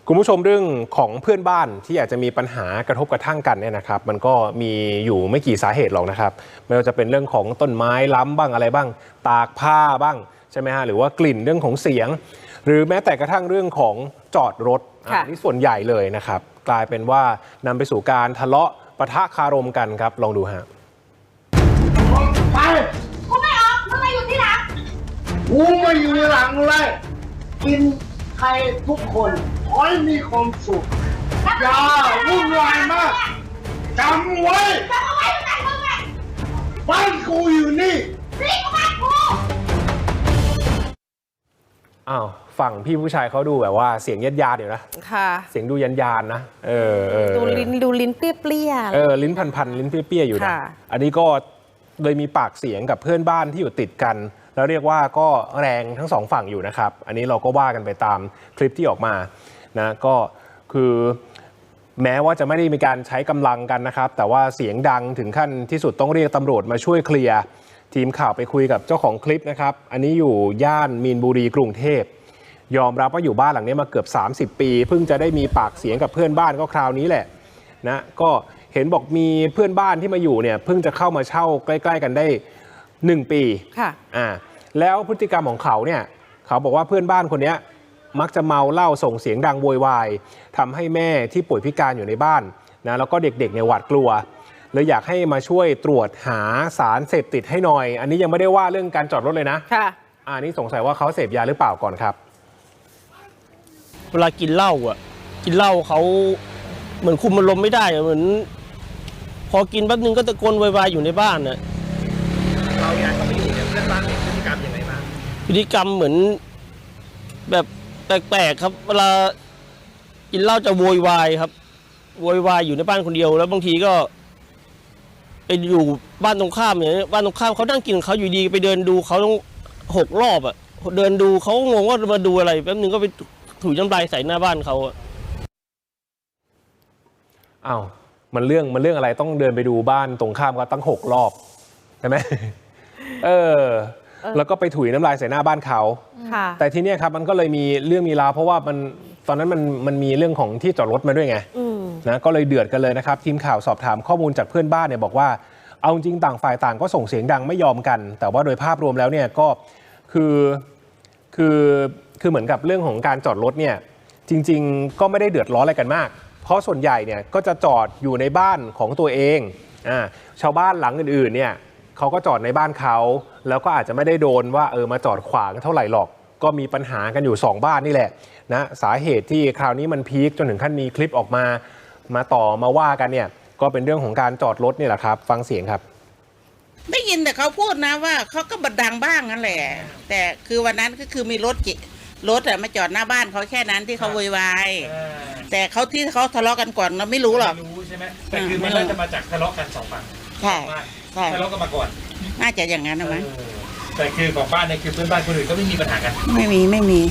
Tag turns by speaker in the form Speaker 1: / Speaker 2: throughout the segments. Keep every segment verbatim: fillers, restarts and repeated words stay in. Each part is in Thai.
Speaker 1: คุณผู้ชมเรื่องของเพื่อนบ้านที่อาจจะมีปัญหากระทบกระทั่งกันเนี่ยนะครับมันก็มีอยู่ไม่กี่สาเหตุหรอกนะครับไม่ว่าจะเป็นเรื่องของต้นไม้ล้ำบ้างอะไรบ้างตากผ้าบ้างใช่ไหมฮะหรือว่ากลิ่นเรื่องของเสียงหรือแม้แต่กระทั่งเรื่องของจอดรถอันนี้ส่วนใหญ่เลยนะครับกลายเป็นว่านำไปสู่การทะเลาะปะทะคารมกันครับลองดูฮะ
Speaker 2: ไปกูไม่ออกมึงมาอยู่ที่หลังกูมาอยู่ในหลังเลยกินใครทุกคนขอให้มีความสุขอย่าวุ่นวายมากจำไว้จำไว้จำไว้บ้านกูอยู่นี่นี่ก็บ้านกู
Speaker 1: อ้าวฝั่งพี่ผู้ชายเขาดูแบบว่าเสียงยัดยาเดี๋ยวนะ
Speaker 3: ค่ะ
Speaker 1: เสียงดูยันยานนะเออเออ
Speaker 3: ดูลิ้นดูลิ้นเปรี้ยๆ
Speaker 1: เออลิ้นพันๆลิ้นเปรี้ยๆอยู่นะอันนี้ก็เลยมีปากเสียงกับเพื่อนบ้านที่อยู่ติดกันแล้วเรียกว่าก็แรงทั้งสองฝั่งอยู่นะครับอันนี้เราก็ว่ากันไปตามคลิปที่ออกมานะก็คือแม้ว่าจะไม่ได้มีการใช้กำลังกันนะครับแต่ว่าเสียงดังถึงขั้นที่สุดต้องเรียกตำรวจมาช่วยเคลียร์ทีมข่าวไปคุยกับเจ้าของคลิปนะครับอันนี้อยู่ย่านมีนบุรีกรุงเทพยอมรับว่าอยู่บ้านหลังนี้มาเกือบสามสิบปีเพิ่งจะได้มีปากเสียงกับเพื่อนบ้านก็คราวนี้แหละนะก็เห็นบอกมีเพื่อนบ้านที่มาอยู่เนี่ยเพิ่งจะเข้ามาเช่าใกล้ๆกันได้หนึ่งปี
Speaker 3: ค่ะ
Speaker 1: อ่าแล้วพฤติกรรมของเขาเนี่ยเขาบอกว่าเพื่อนบ้านคนนี้มักจะเมาเหล้าส่งเสียงดังโวยวายทำให้แม่ที่ป่วยพิการอยู่ในบ้านนะแล้วก็เด็กๆเนี่ยหวาดกลัวเลยอยากให้มาช่วยตรวจหาสารเสพติดให้หน่อยอันนี้ยังไม่ได้ว่าเรื่องการจอดรถเลยนะ
Speaker 3: ค่ะ
Speaker 1: อันนี้สงสัยว่าเขาเสพยาหรือเปล่าก่อนครับ
Speaker 4: เวลากินเหล้าอ่ะกินเหล้าเขาเหมือนคุมอารมณ์ไม่ได้เหมือนพอกินแป๊บนึงก็ตะโกนวายๆอยู่ในบ้านน่ะ
Speaker 1: เราอยากเขาไปอยู่เนี่ยเพื่อนบ้านมีพฤติกรรมยังไงบ้าง
Speaker 4: พฤติกรรมเหมือนแบบแปลกๆครับเวลากินเหล้าจะโวยวายครับโวยวายอยู่ในบ้านคนเดียวแล้วบางทีก็ไปอยู่บ้านตรงข้ามเนี่ยบ้านตรงข้ามเขานั่งกินเขาอยู่ดีไปเดินดูเขาต้องหกรอบอ่ะเดินดูเขางงว่ามาดูอะไรแป๊บนึงก็ไปถุยน้ำลายใส่หน้าบ้านเขาอ่ะ
Speaker 1: อ้าวมันเรื่องมันเรื่องอะไรต้องเดินไปดูบ้านตรงข้ามกันตั้งหกรอบใช่ไหมเออแล้วก็ไปถุยน้ำลายใส่หน้าบ้านเขาแต่ทีนี้ครับมันก็เลยมีเรื่องมีราวเพราะว่ามันตอนนั้นมันมันมีเรื่องของที่จอดรถมาด้วยไงนะก็เลยเดือดกันเลยนะครับทีมข่าวสอบถามข้อมูลจากเพื่อนบ้านเนี่ยบอกว่าเอาจริงต่างฝ่ายต่างก็ส่งเสียงดังไม่ยอมกันแต่ว่าโดยภาพรวมแล้วเนี่ยก็คือคือคือเหมือนกับเรื่องของการจอดรถเนี่ยจริงๆก็ไม่ได้เดือดร้อนอะไรกันมากเพราะส่วนใหญ่เนี่ยก็จะจอดอยู่ในบ้านของตัวเองอ่าชาวบ้านหลังอื่นๆเนี่ยเขาก็จอดในบ้านเขาแล้วก็อาจจะไม่ได้โดนว่าเออมาจอดขวางเท่าไหร่หรอกก็มีปัญหากันอยู่สองบ้านนี่แหละนะสาเหตุที่คราวนี้มันพีคจนถึงขั้นมีคลิปออกมามาต่อมาว่ากันเนี่ยก็เป็นเรื่องของการจอดรถนี่แหละครับฟังเสียงครับ
Speaker 5: ได้ยินแต่เขาพูดนะว่าเขาก็บัดดังบ้างนั่นแหละแต่คือวันนั้นก็คือมีรถจิรถอะมาจอดหน้าบ้านเขาแค่นั้นที่เขาโวยวายแต่เขาที่เขาทะเลาะกันก่อนเราไม่รู้หรอก
Speaker 6: ไม่รู้ใช่ไหมแต่คือมันน่าจะมาจากทะเลาะกันสองฝั่ง
Speaker 5: ใช่ใช่
Speaker 6: ทะเลาะกันมาก่อน
Speaker 5: น่าจะอย่างนั้นนะมั้ง
Speaker 6: แต่คือของบ้านเนี่ยคือเพื่อนบ้านคนอื่นก็ไม่มีปัญหากัน
Speaker 5: ไม่มีไม่มี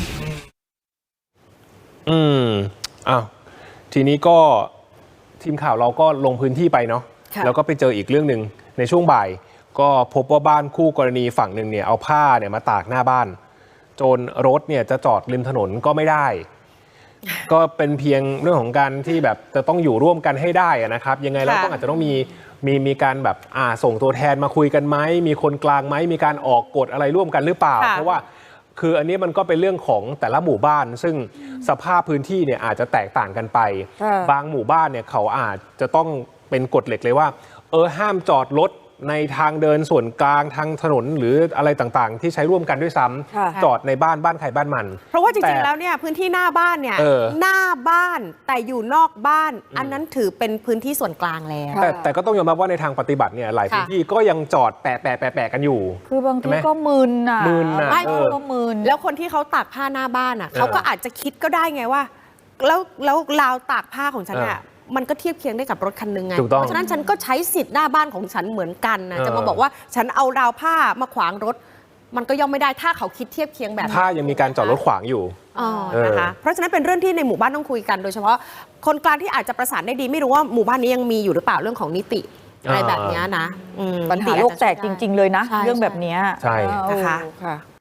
Speaker 1: อืมอ้าวทีนี้ก็ทีมข่าวเราก็ลงพื้นที่ไปเนาะแล้วก็ไปเจออีกเรื่องหนึ่งในช่วงบ่ายก็พบว่าบ้านคู่กรณีฝั่งหนึ่งเนี่ยเอาผ้าเนี่ยมาตากหน้าบ้านจนรถเนี่ยจะจอดริมถนนก็ไม่ได้ก็เป็นเพียงเรื่องของการที่แบบจะต้องอยู่ร่วมกันให้ได้นะครับยังไงเราต้องอาจจะต้องมีมีมีการแบบอ่าส่งตัวแทนมาคุยกันไหมมีคนกลางไหมมีการออกกฎอะไรร่วมกันหรือเปล่าเพราะว่าคืออันนี้มันก็เป็นเรื่องของแต่ละหมู่บ้านซึ่งสภาพพื้นที่เนี่ยอาจจะแตกต่างกันไปบางหมู่บ้านเนี่ยเขาอาจจะต้องเป็นกฎเหล็กเลยว่าเออห้ามจอดรถในทางเดินส่วนกลางทางถนนหรืออะไรต่างๆที่ใช้ร่วมกันด้วยซ้ำจอดในบ้านบ้านใครบ้านมัน
Speaker 3: เพราะว่าจริงๆแล้วเนี่ยพื้นที่หน้าบ้านเนี่ยหน้าบ้านแต่อยู่นอกบ้านอันนั้นถือเป็นพื้นที่ส่วนกลางแล้ว
Speaker 1: แต่แต่ก็ต้องยอมรับว่าในทางปฏิบัติเนี่ยหลายพื้นที่ก็ยังจอดแปะแปะแปะแปะกันอยู่
Speaker 7: คือบางทีก็มึนอ่ะ
Speaker 1: มึนอ่ะ
Speaker 7: ก็มึน
Speaker 3: แล้วคนที่เขาตากผ้าหน้าบ้านอ่ะเขาก็อาจจะคิดก็ได้ไงว่าแล้วแล้วราวตากผ้าของฉันอ่ะมันก็เทียบเคียงได้กับรถคันนึงไงเพราะฉะนั้นฉันก็ใช้สิทธิ์หน้าบ้านของฉันเหมือนกันนะจะมาบอกว่าฉันเอาราวผ้ามาขวางรถมันก็ย่อมไม่ได้ถ้าเขาคิดเทียบเคียงแบบ
Speaker 1: ถ้ายังมีการจอดรถขวางอยู่
Speaker 3: อ๋อนะคะเพราะฉะนั้นเป็นเรื่องที่ในหมู่บ้านต้องคุยกันโดยเฉพาะคนกลางที่อาจจะประสานได้ดีไม่รู้ว่าหมู่บ้านนี้ยังมีอยู่หรือเปล่าเรื่องของนิติอะไรแบบนี้นะ
Speaker 7: ปัญหาโลกแตกจริงๆเลยนะเรื่องแบบนี้
Speaker 1: ใช่
Speaker 3: นะคะ